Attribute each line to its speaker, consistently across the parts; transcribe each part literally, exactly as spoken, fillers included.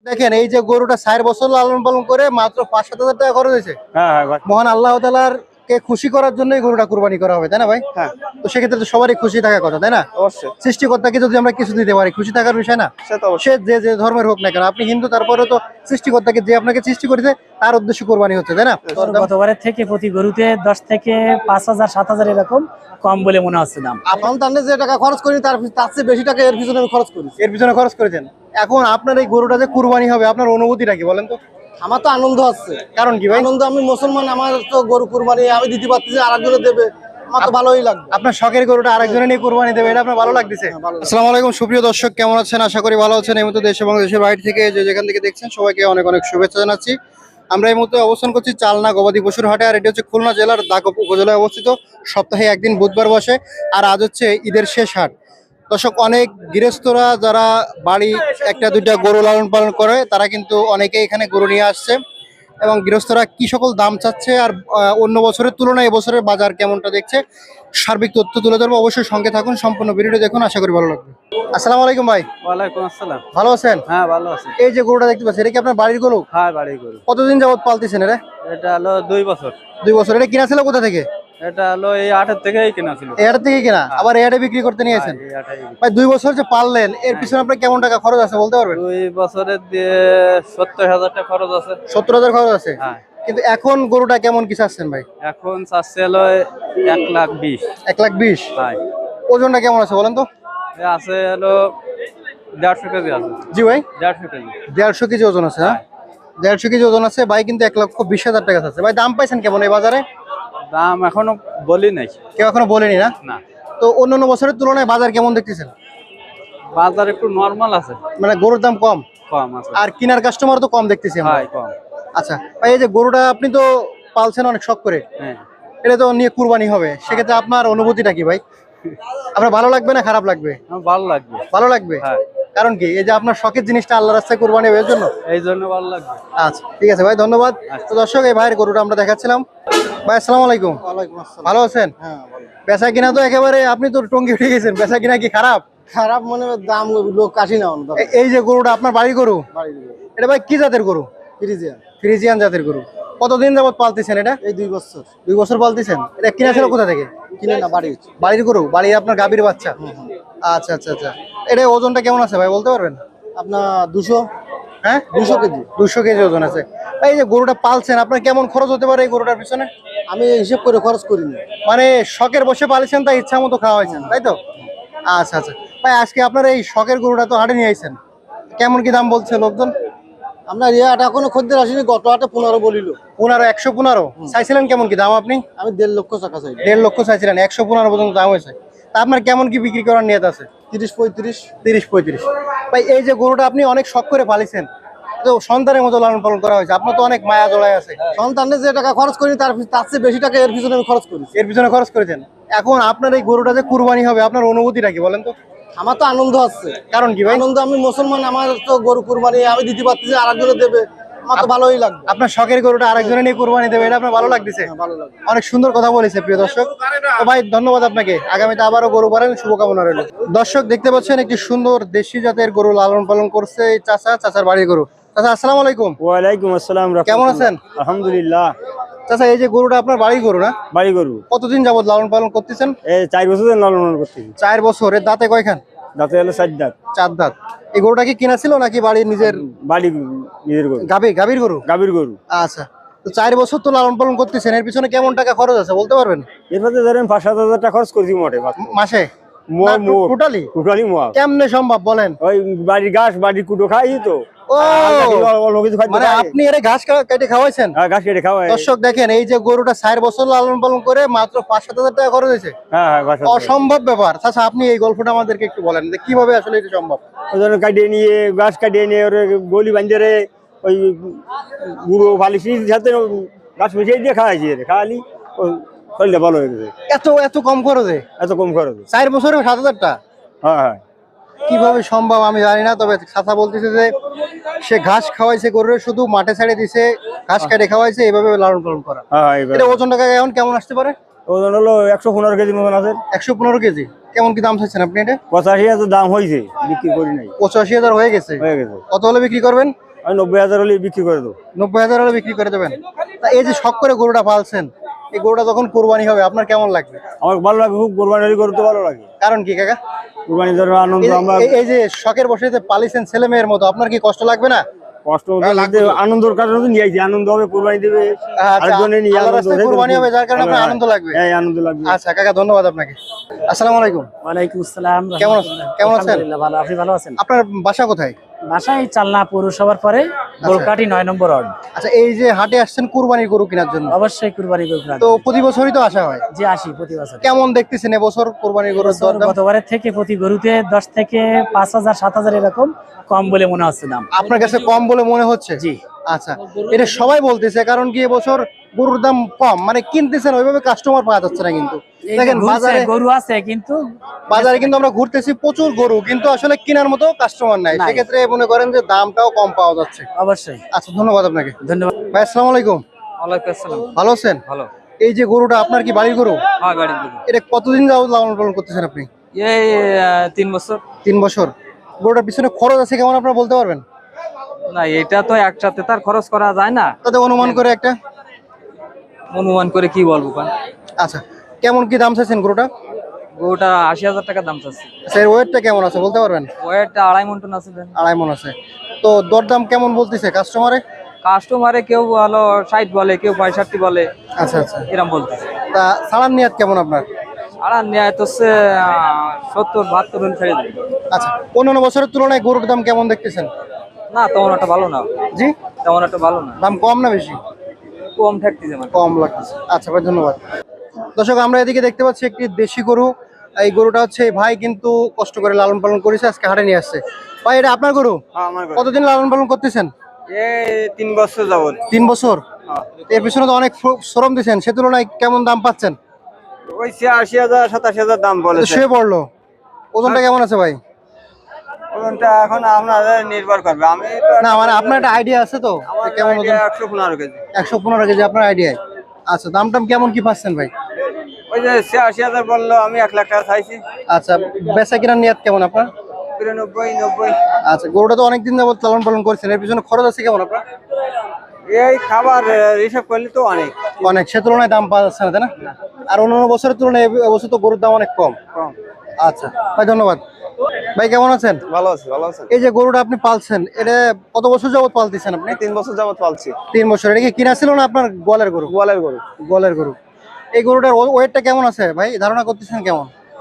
Speaker 1: দেখেন এই যে গরুটা চার বছর লালন পালন করে মাত্র পাঁচ সাত হাজার টাকা খরচ হয়েছে।
Speaker 2: হ্যাঁ হ্যাঁ ভাই।
Speaker 1: মহান আল্লাহ তাআলার কে খুশি করার জন্যই গরুটা কুরবানি করা হবে, তাই না ভাই?
Speaker 2: হ্যাঁ
Speaker 1: তো সেক্ষেত্রে তো সবারই খুশি থাকার কথা, তাই না?
Speaker 2: অবশ্যই,
Speaker 1: সৃষ্টিকর্তাকে যদি আমরা কিছু দিতে পারি, খুশি থাকার বিষয় না?
Speaker 2: সে তো অবশ্যই।
Speaker 1: সে যে যে ধর্মের হোক না কেন, আপনি হিন্দু, তারপরে তো সৃষ্টিকর্তাকে যে আপনাকে সৃষ্টি করেছে তার উদ্দেশ্য কোরবানি হচ্ছে, তাই না?
Speaker 3: গতবারের থেকে প্রতি গরুতে দশ থেকে পাঁচ হাজার সাত হাজার এরকম কম বলে মনে হচ্ছে দাম।
Speaker 1: আপনার তাহলে যে টাকা খরচ করি তার তার চেয়ে বেশি টাকা এর পিছনে আমি খরচ করি, এর পিছনে খরচ করেছেন। এখন আপনার এই গরুটা যে কুরবানি হবে, আপনার অনুভূতিটা কি বলেন তো?
Speaker 4: আমার তো আনন্দ হচ্ছে।
Speaker 1: কারণ কি ভাই?
Speaker 4: আনন্দ, আমি মুসলমান, আমার তো গরু কুরবানি আমি দিতে পারতেছি, আরেকজনে দেবে, আমার তো ভালোই লাগবে।
Speaker 1: আপনার শখের গরুটা আরেকজনে নিয়ে কুরবানি দেবে, এটা আপনার ভালো লাগতেছে? আসসালামু আলাইকুম সুপ্রিয় দর্শক, কেমন আছেন? আশা করি ভালো আছেন। এই মুহূর্তে দেশ এবং দেশের বাইরে থেকে যে যেখান থেকে দেখছেন সবাইকে অনেক অনেক শুভেচ্ছা জানাচ্ছি। আমরা এই মুহূর্তে অবস্থান করছি চালনা গবাদি পশুর হাটে, আর এটি হচ্ছে খুলনা জেলার দাগপ উপজেলায় অবস্থিত। সপ্তাহে একদিন বুধবার বসে, আর আজ হচ্ছে ঈদের শেষ হাট। দর্শক, অনেক গৃহস্থরা যারা বাড়ি একটা দুইটা গরু লালন পালন করে তারা কিন্তু অনেকেই এখানে গরু নিয়ে আসছে, এবং গৃহস্থরা কি সকল দাম চাচ্ছে আর আহ, অন্য বছরের তুলনায় এবছরের বাজার কেমনটা দেখছে সার্বিক তথ্য তুলে ধরবো। অবশ্যই সঙ্গে থাকুন, সম্পূর্ণ ভিডিওটি দেখুন, আশা করি ভালো লাগবে। আসসালামু আলাইকুম ভাই।
Speaker 2: ওয়ালাইকুম আসসালাম।
Speaker 1: ভালো আছেন?
Speaker 2: হ্যাঁ ভালো আছি।
Speaker 1: এই যে গরুটা দেখতে পাচ্ছি, এটা কি আপনার বাড়ির গরু?
Speaker 2: হ্যাঁ বাড়ি গরু।
Speaker 1: কতদিন যাবত পালতেছেন এটা?
Speaker 2: এটা হলো দুই বছর।
Speaker 1: দুই বছর। এটা কিনা ছিল কোথা থেকে?
Speaker 2: এটা হলো এই আটের থেকেই কেনা ছিল।
Speaker 1: এর থেকে কিনা, আবার এয়ারে বিক্রি করতে নিয়েছেন?
Speaker 2: হ্যাঁ, এই আটেই।
Speaker 1: ভাই দুই বছর যে পাললেন, এর পিছনে আপনার কেমন টাকা খরচ আছে বলতে পারবেন?
Speaker 2: দুই বছরের দিয়ে সত্তর হাজার টাকা খরচ আছে।
Speaker 1: সত্তর হাজার খরচ আছে।
Speaker 2: হ্যাঁ।
Speaker 1: কিন্তু এখন গরুটা কেমন কি চাচ্ছেন ভাই?
Speaker 2: এখন চাচ্ছে হলো এক লাখ বিশ।
Speaker 1: এক লাখ বিশ।
Speaker 2: হ্যাঁ।
Speaker 1: ওজনটা কেমন আছে বলেন তো?
Speaker 2: এ আছে হলো দেড়শো কেজি আছে।
Speaker 1: জি ভাই,
Speaker 2: দেড়শো কেজি।
Speaker 1: দেড়শো কেজি ওজন আছে। হ্যাঁ, দেড়শো কেজি ওজন আছে ভাই, কিন্তু এক লক্ষ বিশ হাজার টাকা আছে ভাই। দাম পাইছেন কেমন এই বাজারে?
Speaker 2: দাম এখনো বলি নাই।
Speaker 1: কেউ এখনো বলেনি না?
Speaker 2: না।
Speaker 1: তো অন্যান্য বছরের তুলনায় বাজার কেমন দেখতেছেন?
Speaker 2: বাজার একটু নরমাল আছে।
Speaker 1: মানে গরুর দাম কম,
Speaker 2: কম আছে।
Speaker 1: আর কিনার কাস্টমার তো কম দেখতেছি আমরা।
Speaker 2: হ্যাঁ কম।
Speaker 1: আচ্ছা ভাই, এই যে গরুটা আপনি তো পালছেন অনেক শখ করে,
Speaker 2: হ্যাঁ।
Speaker 1: এটা তো নিয়ে কুরবানি হবে, সেক্ষেত্রে আপনার অনুভূতিটা কি ভাই? আপনার ভালো লাগবে না খারাপ লাগবে?
Speaker 2: আমার ভালো লাগবে।
Speaker 1: ভালো লাগবে।
Speaker 2: হ্যাঁ।
Speaker 1: কারণ কি, এই যে আপনার শখের জিনিসটা আল্লাহ রাস্তায় কুরবানি হবে এর জন্য।
Speaker 2: এই জন্য ভালো লাগবে।
Speaker 1: আচ্ছা ঠিক আছে ভাই, ধন্যবাদ। তো দর্শক, এই ভাইয়ের গরুটা আমরা দেখাচ্ছিলাম। ভাই আসসালামু আলাইকুম।
Speaker 4: ওয়ালাইকুম আসসালাম।
Speaker 1: ভালো আছেন?
Speaker 4: হ্যাঁ ভালো।
Speaker 1: বেচা কিনা তো একেবারে, আপনি তো টঙ্গি উঠে গেছেন, বেচা কিনা কি খারাপ?
Speaker 4: খারাপ মানে দাম লোক কাশি না অন্য
Speaker 1: এ- এই যে গরুটা আপনার বাড়ির গরু,
Speaker 4: বাড়ি দিবে
Speaker 1: এটা ভাই কি জাতের গরু?
Speaker 4: ফ্রিজিয়ান।
Speaker 1: ফ্রিজিয়ান জাতের গরু। কতদিন যাবত পালতেছেন এটা?
Speaker 4: এই দুই বছর।
Speaker 1: দুই বছর পালতেছেন। এটা কিনা ছিল কোথা থেকে?
Speaker 4: কিনে না, বাড়ি হচ্ছে।
Speaker 1: বাড়ির গরু, বাড়ি আপনার গাভীর বাচ্চা? আচ্ছা আচ্ছা আচ্ছা। এটা ওজনটা কেমন আছে ভাই বলতে পারবেন?
Speaker 4: আপনার দুশো।
Speaker 1: হ্যাঁ,
Speaker 4: দুশো কেজি।
Speaker 1: দুশো কেজি ওজন আছে। এই যে গরুটা পালছেন, আপনার কেমন খরচ হতে পারে এই গরুটার পিছনে?
Speaker 4: আমি হিসেব করে খরচ করিনি।
Speaker 1: মানে শখের বসে পালিয়েছেন, তাই ইচ্ছা মতো খাওয়া হয়েছেন, তাই তো? আচ্ছা আচ্ছা ভাই, আজকে আপনার এই শখের গরুটা তো হাটে নিয়ে আইছেন, কেমন কি দাম বলছে লোকজন?
Speaker 4: আপনার এই হাটে এখনো খদ্দের আসেনি, গত হাটে পনেরো বলিল।
Speaker 1: পনেরো, একশো পনেরো চাইছিলেন, কেমন কি দাম আপনি?
Speaker 4: আমি দেড় লক্ষ টাকা চাই।
Speaker 1: দেড় লক্ষ চাইছিলেন, একশো পনেরো পর্যন্ত দাম হয়েছে। তা আপনার কেমন কি বিক্রি করার নিয়ত আছে?
Speaker 4: তিরিশ পঁয়ত্রিশ।
Speaker 1: তিরিশ পঁয়ত্রিশ। ভাই এই যে গরুটা আপনি অনেক শখ করে পালিছেন, তো সন্তানের মতো লালন পালন করা হয়েছে, আপনার তো অনেক মায়া জড়ায় আছে।
Speaker 4: সন্তানের যে টাকা খরচ করি তার তার চেয়ে বেশি টাকা এর পিছনে আমি খরচ করি।
Speaker 1: এর পিছনে খরচ করেছেন। এখন আপনার এই গরুটা যে কুরবানি হবে, আপনার অনুভূতিটা কি বলেন তো?
Speaker 4: আমার তো আনন্দ হচ্ছে।
Speaker 1: কারণ কি ভাই?
Speaker 4: আনন্দ, আমি মুসলমান, আমার তো গরু কুরবানি আমি দিতে পারতেছি, আরেকজনে দেবে, আমার তো ভালোই লাগবে।
Speaker 1: আপনার শখের গরুটা আরেকজনে নিয়ে কুরবানি দেবে, এটা আপনার ভালো লাগতেছে?
Speaker 4: হ্যাঁ, ভালো লাগবে।
Speaker 1: অনেক সুন্দর কথা বলেছে প্রিয় দর্শক। তো ভাই ধন্যবাদ আপনাকে, আগামীতে আবারও গরু পালন শুভকামনা রইল। দর্শক দেখতে পাচ্ছেন একটি সুন্দর দেশি জাতের গরু লালন পালন করছে এই চাচা, চাচার বাড়ির গরু। চাচা আসসালামু আলাইকুম।
Speaker 2: ওয়ালাইকুম আসসালাম।
Speaker 1: কেমন আছেন?
Speaker 2: আলহামদুলিল্লাহ।
Speaker 1: চাচা এই যে গরুটা আপনার বাড়ির গরু না?
Speaker 2: বাড়ি গরু।
Speaker 1: কতদিন যাবত লালন পালন করতেছেন?
Speaker 2: এই চার বছর লালন পালন করতেছি।
Speaker 1: চার বছর। এর দাঁতে কয়খান?
Speaker 2: দাঁতে হলো চার দাঁত।
Speaker 1: চার দাঁত। এই গরুটা কি কিনা ছিল নাকি বাড়ির নিজের?
Speaker 2: বাড়ি নিজের গরু।
Speaker 1: গাভী, গাভীর গরু।
Speaker 2: গাভীর গরু।
Speaker 1: আচ্ছা, তো চার বছর তো লালন পালন করতেছেন, এর পিছনে কেমন টাকা খরচ আছে বলতে পারবেন?
Speaker 2: এরপরে ধরেন পাঁচ সাত হাজার টাকা খরচ করছি মোটে
Speaker 1: মাসে? টোটালি?
Speaker 2: টোটালি মোয়া।
Speaker 1: কেমনে সম্ভব বলেন?
Speaker 2: ওই বাড়ির ঘাস বাড়ির কুটো খাই তো।
Speaker 1: ও,
Speaker 2: অল্প কিছু খাই।
Speaker 1: মানে আপনি এর ঘাস কা- কেটে খাওয়াইছেন?
Speaker 2: হ্যাঁ ঘাস কেটে খাওয়াই।
Speaker 1: দর্শক দেখেন, এই যে গরুটা চার বছর লালন পালন করে মাত্র পাঁচ সাত হাজার টাকা খরচ হয়েছে।
Speaker 2: হ্যাঁ হ্যাঁ ঘাস।
Speaker 1: অসম্ভব ব্যাপার। আচ্ছা, আপনি এই গল্পটা আমাদেরকে একটু বলেন যে কিভাবে আসলে এটা সম্ভব?
Speaker 2: ওই জন্য কাটিয়ে নিয়ে ঘাস কাটিয়ে নিয়ে ওরে গলি বাঞ্জারে ওই গুঁড়ো বালিশির সাথে ঘাস মিশিয়ে দিয়ে খাওয়াইছি। খাওয়ালি ওই শরীরটা ভালো হয়ে গেছে।
Speaker 1: এত এত কম খরচে?
Speaker 2: এত কম খরচ।
Speaker 1: চার বছরে সাত হাজার টাকা
Speaker 2: হ্যাঁ হ্যাঁ।
Speaker 1: কিভাবে সম্ভব আমি জানি না, তবে চাচা বলতেছে যে সে ঘাস খাওয়াইছে গরুরে, শুধু মাঠে ছেড়ে দিছে, ঘাস কেটে খাওয়াইছে, এইভাবে লালন পালন করা।
Speaker 2: হ্যাঁ এবার
Speaker 1: এটা ওজন টাকা এখন কেমন আসতে পারে?
Speaker 2: ওজন হলো একশো পনেরো কেজির মতন আছে।
Speaker 1: একশো পনেরো কেজি। কেমন কি দাম চাইছেন আপনি এটা?
Speaker 2: পঁচাশি হাজার দাম হয়েছে, বিক্রি করি নাই।
Speaker 1: পঁচাশি হাজার হয়ে গেছে।
Speaker 2: হয়ে গেছে।
Speaker 1: কত হলে বিক্রি করবেন?
Speaker 2: আমি নব্বই হাজার হলে বিক্রি করে দেবো।
Speaker 1: নব্বই হাজার হলে বিক্রি করে দেবেন। তা এই যে শখ করে গরুটা পালছেন, এই গরুটা যখন কোরবানি হবে আপনার কেমন লাগবে?
Speaker 2: আমার ভালো লাগে, খুব কোরবানি গরু তো ভালো লাগে।
Speaker 1: কারণ কি কাকা?
Speaker 2: কোরবানি ধরো আনন্দ
Speaker 1: এই যে-
Speaker 2: আমরা
Speaker 1: এই- এই যে শখের বসে যে পালিছেন ছেলে মেয়ের মতো, আপনার কি কষ্ট লাগবে না?
Speaker 2: কষ্ট লাগছে, আনন্দের কারণে তো নিয়ে আইছি, আনন্দ হবে, কোরবানি দেবে
Speaker 1: আচ্ছা,
Speaker 2: আরেকজনে নিয়ে
Speaker 1: আল্লাহর
Speaker 2: আনন্দ
Speaker 1: রাস্তায়
Speaker 2: হবে।
Speaker 1: কোরবানি হবে, যার কারণে আপনার আনন্দ লাগবে।
Speaker 2: হ্যাঁ, আনন্দ লাগবে।
Speaker 1: আচ্ছা কাকা, ধন্যবাদ আপনাকে। আসসালামু আলাইকুম।
Speaker 3: ওয়ালাইকুম আসসালাম।
Speaker 1: কেমন আছেন? কেমন আছেন?
Speaker 3: আলহামদুলিল্লাহ, ভালো। আপনি ভালো আছেন?
Speaker 1: আপনার বাসা কোথায়?
Speaker 3: বাসায় চালনা পৌরসভার পরে গোলকাটি নয় নম্বর ওয়ার্ড।
Speaker 1: আচ্ছা, এই যে হাটে আসছেন কুরবানির গরু কেনার জন্য,
Speaker 3: অবশ্যই কুরবানি গরু কিনা।
Speaker 1: তো প্রতি বছরই তো আসা হয়,
Speaker 3: যে আসি প্রতি বছর।
Speaker 1: কেমন দেখতেছেন এবছর কুরবানির গরুর
Speaker 3: বছর
Speaker 1: দরদাম?
Speaker 3: গতবারের থেকে প্রতি গরুতে দশ থেকে পাঁচ হাজার সাত হাজার এরকম কম বলে মনে হচ্ছে দাম।
Speaker 1: আপনার কাছে কম বলে মনে হচ্ছে?
Speaker 3: জি।
Speaker 1: আচ্ছা, এটা সবাই বলতেছে, কারণ কি এবছর গরুর দাম কম, মানে কিনতেছেন ওইভাবে কাস্টমার পাওয়া যাচ্ছে না। কিন্তু
Speaker 3: এই যে
Speaker 1: দেখেন
Speaker 3: ঘুরছে,
Speaker 1: বাজারে
Speaker 3: গরু আছে কিন্তু
Speaker 1: বাজারে কিন্তু আমরা ঘুরতেছি প্রচুর গরু, কিন্তু আসলে কেনার মতো কাস্টমার নাই।
Speaker 3: নাই।
Speaker 1: সেক্ষেত্রে মনে করেন যে দামটাও কম পাওয়া যাচ্ছে।
Speaker 3: অবশ্যই।
Speaker 1: আচ্ছা, ধন্যবাদ আপনাকে।
Speaker 3: ধন্যবাদ।
Speaker 1: ভাই আসসালামু আলাইকুম।
Speaker 5: ওয়ালাইকুম আসসালাম।
Speaker 1: ভালো আছেন?
Speaker 5: ভালো।
Speaker 1: এই যে গরুটা আপনার কি বাড়ির গরু?
Speaker 5: হ্যাঁ, বাড়ির গরু।
Speaker 1: এটা কতদিন যাবত লালন পালন করতেছেন আপনি?
Speaker 5: এই আহ, তিন বছর।
Speaker 1: তিন বছর। গরুটার পিছনে খরচ আছে কেমন আপনারা বলতে পারবেন?
Speaker 5: না, এটা তো একসাথে তার খরচ করা যায় না,
Speaker 1: তাতে অনুমান করে একটা।
Speaker 5: অনুমান করে কি বলবো কারণ
Speaker 1: আচ্ছা, কেমন কি দাম চাইছেন গরুটা?
Speaker 5: গরুটা আশি হাজার টাকা দাম চাচ্ছি।
Speaker 1: আচ্ছা, এর ওয়েটটা কেমন আছে বলতে পারবেন?
Speaker 5: ওয়েটটা আড়াই মন টন আছে। দেন
Speaker 1: আড়াই মন আছে। তো দরদাম কেমন বলতেছে কাস্টমারে?
Speaker 5: কাস্টমারে কেউ ভালো ষাট বলে, কেউ পঁয়ষট্টি বলে,
Speaker 1: আচ্ছা আচ্ছা।
Speaker 5: এরকম বলতেছে।
Speaker 1: তা সালান নিয়াত কেমন আপনার?
Speaker 5: আর নেয় তো হচ্ছে সত্তর বাহাত্তর হলে ছেড়ে দেবে।
Speaker 1: আচ্ছা, অন্যান্য বছরের তুলনায় গরুর দাম কেমন দেখতেছেন?
Speaker 5: না, তেমন একটা ভালো না।
Speaker 1: জি,
Speaker 5: তেমন একটা ভালো না,
Speaker 1: দাম কম না বেশি?
Speaker 5: কম থাকতেছে মানে।
Speaker 1: কম লাগতেছে। আচ্ছা ভাই, ধন্যবাদ। দর্শক, আমরা এদিকে দেখতে পাচ্ছি একটি দেশি গরু। এই গরুটা হচ্ছে এই ভাই কিন্তু কষ্ট করে লালন পালন করেছে, আজকে হাটে নিয়ে আসছে। ভাই, এটা আপনার গরু? কতদিন লালন পালন করতেছেন?
Speaker 5: এই তিন বছর যাবত।
Speaker 1: তিন বছর। এর পিছনে তো অনেক ফ- শ্রম দিচ্ছেন, সে তুলনায় কেমন দাম পাচ্ছেন?
Speaker 5: ওই আশি হাজার সাতাশি হাজার দাম
Speaker 1: তো শুয়ে পড়লো। ওজনটা কেমন আছে ভাই?
Speaker 5: ওজনটা এখন আপনাদের নির্ভর করবে। আমি
Speaker 1: না মানে আপনার একটা আইডিয়া আছে তো যে কেমন ওজন?
Speaker 5: একশো পনেরো কেজি।
Speaker 1: একশো পনেরো কেজি আপনার আইডিয়ায়। আচ্ছা, দাম টাম কেমন কি পাচ্ছেন ভাই?
Speaker 5: ওই যে ছিয়াশি হাজার বললো, আমি এক লাখ টাকা চাইছি।
Speaker 1: আচ্ছা, বেচা কেনার নিয়াত কেমন আপনার?
Speaker 5: বিরানব্বই নব্বই।
Speaker 1: আচ্ছা, গরুটা তো অনেকদিন যাবত লালন পালন করছেন, এর পিছনে খরচ আছে কেমন আপনার?
Speaker 5: এই খাবার হিসাব করলে তো অনেক
Speaker 1: অনেক, সে তুলনায় দাম পাওয়া যাচ্ছে না, তাই না? আর অন্যান্য বছরের তুলনায় এ বছর তো গরুর দাম অনেক কম।
Speaker 5: কম।
Speaker 1: আচ্ছা ভাই, ধন্যবাদ। ভাই কেমন আছেন?
Speaker 6: ভালো আছে, ভালো আছে।
Speaker 1: এই যে গরুটা আপনি পালছেন, এটা কত বছর যাবত পালতেছেন আপনি?
Speaker 6: তিন বছর যাবত পালছি।
Speaker 1: তিন বছর। এটা কি কিনা ছিল না আপনার গোয়ালের গরু?
Speaker 6: গোয়ালের গরু।
Speaker 1: গোয়ালের গরু। এই গরুটার ওয়েটটা কেমন আছে ভাই, ধারণা করতেছেন কেমন?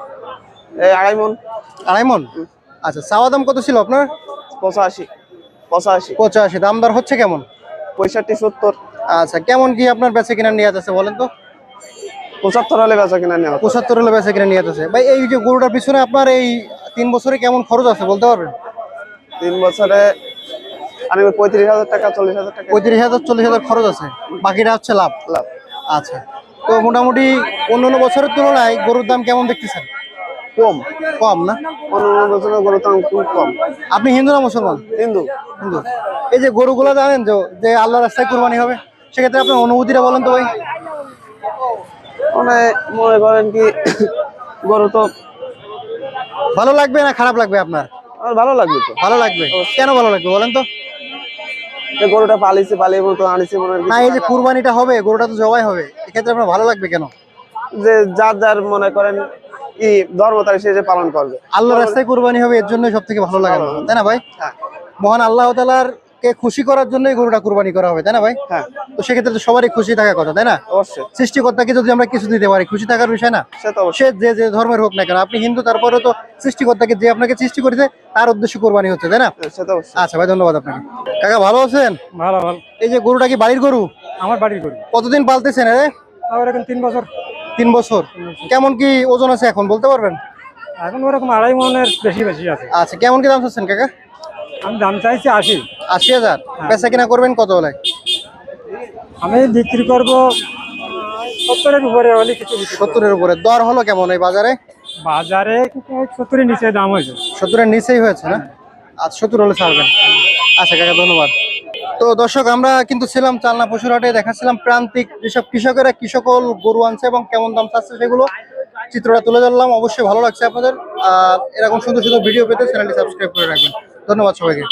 Speaker 6: এই আড়াই মন।
Speaker 1: আড়াই মন। আচ্ছা, চাওয়া দাম কত ছিল আপনার?
Speaker 6: পঁচাশি পঁচাশি
Speaker 1: পঁচাশি। দাম দর হচ্ছে কেমন?
Speaker 6: পঁয়ষট্টি সত্তর
Speaker 1: আচ্ছা, কেমন কি আপনার বেচে কিনা নিয়ে আছে বলেন তো?
Speaker 6: পঁচাত্তর হলে বেচা কিনা নেওয়া।
Speaker 1: পঁচাত্তর হলে বেচে কিনা নিয়ে আছে ভাই। এই যে গরুটার পিছনে আপনার এই তিন বছরে কেমন খরচ আছে বলতে পারবেন?
Speaker 6: তিন বছরে আমি পঁয়ত্রিশ হাজার টাকা চল্লিশ হাজার টাকা
Speaker 1: পঁয়ত্রিশ হাজার চল্লিশ হাজার খরচ আছে, বাকিটা হচ্ছে লাভ।
Speaker 6: লাভ।
Speaker 1: আচ্ছা, তো মোটামুটি অন্যান্য বছরের তুলনায় গরুর দাম কেমন দেখতেছেন?
Speaker 6: কম।
Speaker 1: কম না?
Speaker 6: অন্য বছরের গরুর দাম খুব কম।
Speaker 1: আপনি হিন্দু না মুসলমান?
Speaker 6: হিন্দু।
Speaker 1: হিন্দু। এই যে গরুগুলো জানেন যে যে আল্লাহ রাস্তায় কুরবানি হবে, সেক্ষেত্রে আপনার অনুভূতিটা বলেন তো ভাই।
Speaker 6: মানে মনে করেন কি গরু তো
Speaker 1: ভালো লাগবে না খারাপ লাগবে আপনার?
Speaker 6: আমার ভালো লাগবে তো।
Speaker 1: ভালো লাগবে। কেন ভালো লাগবে বলেন তো?
Speaker 6: যে গরুটা পালিছে পালিয়ে মতো আনিছে মনে হয়
Speaker 1: না, এই যে কুরবানিটা হবে, গরুটা তো জবাই হবে, এক্ষেত্রে আপনার ভালো লাগবে কেন?
Speaker 6: যে যার যার মনে করেন কি ধর্ম তার সে যে পালন করবে।
Speaker 1: আল্লাহ রাস্তায় কুরবানি হবে, এর জন্য সব থেকে ভালো লাগে, তাই না ভাই?
Speaker 6: হ্যাঁ।
Speaker 1: মহান আল্লাহ তাআলার কে খুশি করার জন্যই গরুটা কুরবানি করা হবে, তাই না ভাই?
Speaker 6: হ্যাঁ,
Speaker 1: তো সেক্ষেত্রে তো সবারই খুশি থাকার কথা, তাই না?
Speaker 6: অবশ্যই।
Speaker 1: সৃষ্টিকর্তাকে যদি আমরা কিছু দিতে পারি, খুশি থাকার বিষয় না?
Speaker 6: সে তো অবশ্যই।
Speaker 1: সে যে যে ধর্মের হোক না কেন, আপনি হিন্দু, তারপরে তো সৃষ্টিকর্তাকে যে আপনাকে সৃষ্টি করেছে তার উদ্দেশ্যে কোরবানি হচ্ছে, তাই না?
Speaker 6: সে তো অবশ্যই।
Speaker 1: আচ্ছা ভাই, ধন্যবাদ আপনাকে। কাকা ভালো আছেন?
Speaker 2: ভালো ভালো।
Speaker 1: এই যে গরুটা কি বাড়ির গরু?
Speaker 2: আমার বাড়ির গরু।
Speaker 1: কতদিন পালতেছেন? এ
Speaker 2: আমার এখন তিন বছর।
Speaker 1: তিন বছর। কেমন কি ওজন আছে এখন বলতে পারবেন?
Speaker 2: এখন ওরকম আড়াই মনের বেশি বেশি আছে।
Speaker 1: আচ্ছা, কেমন কি দাম চাচ্ছেন কাকা?
Speaker 2: আমি দাম চাইছি আশি।
Speaker 1: আশি হাজার। বেচা কিনা করবেন কত হলে?
Speaker 2: আমি বিক্রি করব সত্তরের উপরে হলে কিছু বিক্রি করব।
Speaker 1: সত্তরের উপরে। দর হলো কেমন এই বাজারে?
Speaker 2: বাজারে সত্তরের নিচে দাম হয়েছে।
Speaker 1: সত্তরের নিচেই হয়েছে না? আচ্ছা, সত্তর হলে ছাড়বেন। আচ্ছা কাকা, ধন্যবাদ। তো দর্শক, আমরা কিন্তু ছিলাম চালনা পশুর হাটে, দেখাচ্ছিলাম প্রান্তিক যেসব কৃষকেরা কৃষকল গরু আনছে এবং কেমন দাম চাচ্ছে সেগুলো চিত্রটা তুলে ধরলাম। অবশ্যই ভালো লাগছে আপনাদের। আর এরকম সুন্দর সুন্দর ভিডিও পেতে চ্যানেলটি সাবস্ক্রাইব করে রাখবেন। ধন্যবাদ সবাইকে।